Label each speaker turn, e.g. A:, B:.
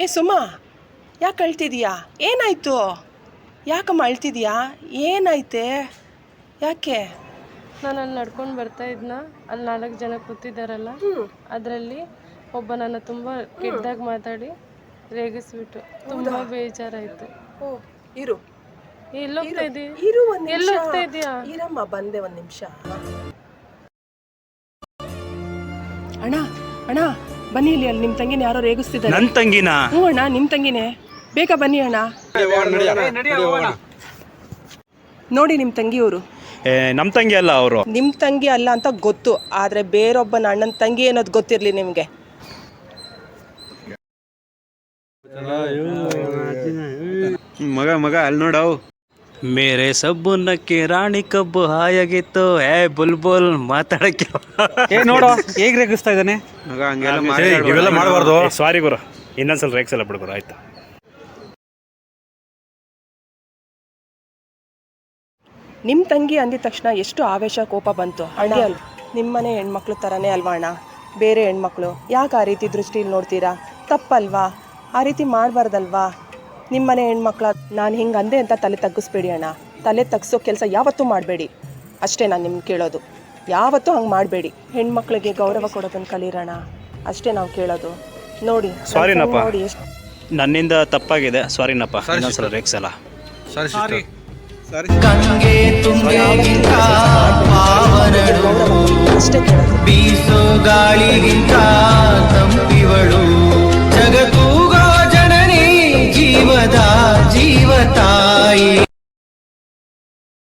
A: ಏ ಸುಮಾ, ಯಾಕೆ ಅಳ್ತಿದೀಯಾ? ಏನಾಯ್ತು? ಯಾಕಮ್ಮ ಅಳ್ತಿದೀಯಾ? ಏನಾಯ್ತೆ? ಯಾಕೆ?
B: ನಾನು ಅಲ್ಲಿ ನಡ್ಕೊಂಡು ಬರ್ತಾ ಇದ್ನ, ಅಲ್ಲಿ 4 ಜನ ಕೂತಿದ್ದಾರಲ್ಲ, ಅದರಲ್ಲಿ ಒಬ್ಬ ನನ್ನ ತುಂಬ ಕೆಟ್ಟದಾಗಿ ಮಾತಾಡಿ ರೇಗಿಸ್ಬಿಟ್ಟು ತುಂಬ ಬೇಜಾರಾಯಿತು.
A: ಓ, ಇರು
B: ಎಲ್ಲೋಗ್ತಾ ಇದ್ದೀ?
A: ಇರು ಒಂದು ನಿಮಿಷ.
B: ಎಲ್ಲೋಗ್ತಾ ಇದೀಯಾ?
A: ಇರಮ್ಮ, ಬಂದೆ ಒಂದು ನಿಮಿಷ. ಅಣ್ಣ ಅಣ್ಣ ಬನ್ನಿ, ಇಲ್ಲಿ ಅಲ್ಲಿ ನಿಮ್ಮ ತಂಗಿನ ಯಾರೋ ರೇಗಿಸ್ತಿದ್ದಾರೆ.
C: ನನ್ನ ತಂಗಿನ?
A: ಹ್ಞೂ ಅಣ್ಣ, ನಿಮ್ಮ ತಂಗಿನೇ. ಬೇಗ ಬನ್ನಿ ಅಣ್ಣ. ನೋಡಿ ನಿಮ್ಮ ತಂಗಿಯವರು.
C: ನಮ್ಮ ತಂಗಿ ಅಲ್ಲ ಅವರು.
A: ನಿಮ್ಮ ತಂಗಿ ಅಲ್ಲ ಅಂತ ಗೊತ್ತು, ಆದರೆ ಬೇರೊಬ್ಬನ ಅಣ್ಣನ ತಂಗಿ ಅನ್ನೋದು ಗೊತ್ತಿರಲಿ ನಿಮಗೆ.
C: ಮಗ ಅಲ್ಲಿ ನೋಡವು. ಮೇರೆ ಸಬ್ಬುನಕ್ಕೆ ರಾಣಿ ಕಬ್ಬು ಹಾಯಾಗಿತ್ತು. ಬುಲ್ಬುಲ್ ಮಾತಾಡಕ್ಕೆ
D: ನೋಡು ಹೇಗೆ ರೇಗಿಸ್ತಾ ಇದ್ದಾನೆ
C: ಮಗ. ಹಂಗೆಲ್ಲ
D: ಇವೆಲ್ಲ ಮಾಡಬಾರ್ದು.
C: ಸಾರಿ ಗುರು, ಇನ್ನೊಂದ್ಸಲ ರೇಗ್ಸಲ್ಲ ಬಿಡ್ಗುರು, ಆಯ್ತಾ?
A: ನಿಮ್ಮ ತಂಗಿ ಅಂದಿದ ತಕ್ಷಣ ಎಷ್ಟು ಆವೇಶ ಕೋಪ ಬಂತು ಅಣ್ಣ. ನಿಮ್ಮನೆ ಹೆಣ್ಮಕ್ಳು ಥರನೇ ಅಲ್ವಾ ಅಣ್ಣ ಬೇರೆ ಹೆಣ್ಮಕ್ಳು? ಯಾಕೆ ಆ ರೀತಿ ದೃಷ್ಟಿಲಿ ನೋಡ್ತೀರಾ? ತಪ್ಪಲ್ವಾ? ಆ ರೀತಿ ಮಾಡಬಾರ್ದಲ್ವಾ? ನಿಮ್ಮನೆ ಹೆಣ್ಮಕ್ಳ ನಾನು ಹಿಂಗೆ ಅಂದೆ ಅಂತ ತಲೆ ತಗ್ಗಿಸ್ಬೇಡಿ ಅಣ್ಣ. ತಲೆ ತಗ್ಸೋ ಕೆಲಸ ಯಾವತ್ತೂ ಮಾಡಬೇಡಿ, ಅಷ್ಟೇ ನಾನು ನಿಮ್ಗೆ ಕೇಳೋದು. ಯಾವತ್ತೂ ಹಂಗೆ ಮಾಡಬೇಡಿ. ಹೆಣ್ಮಕ್ಳಿಗೆ ಗೌರವ ಕೊಡೋದನ್ನು ಕಲೀರೋಣ, ಅಷ್ಟೇ ನಾವು ಕೇಳೋದು. ನೋಡಿ,
C: ಸಾರಿನಪ್ಪ,
A: ನೋಡಿ ಎಷ್ಟು
C: ನನ್ನಿಂದ ತಪ್ಪಾಗಿದೆ. ಸಾರಿನಪ್ಪ, ಇನ್ನೊಂದ್ಸಲ ರೇಗ್ಸಲ್ಲ.
E: ಗಂಗೆ ತುಂಗೆಗಿಂತ ಪಾವನಳು,
A: ಅಷ್ಟೇ ಕೇಳೋದು.
E: ಬೀಸೋ ಗಾಳಿಗಿಂತ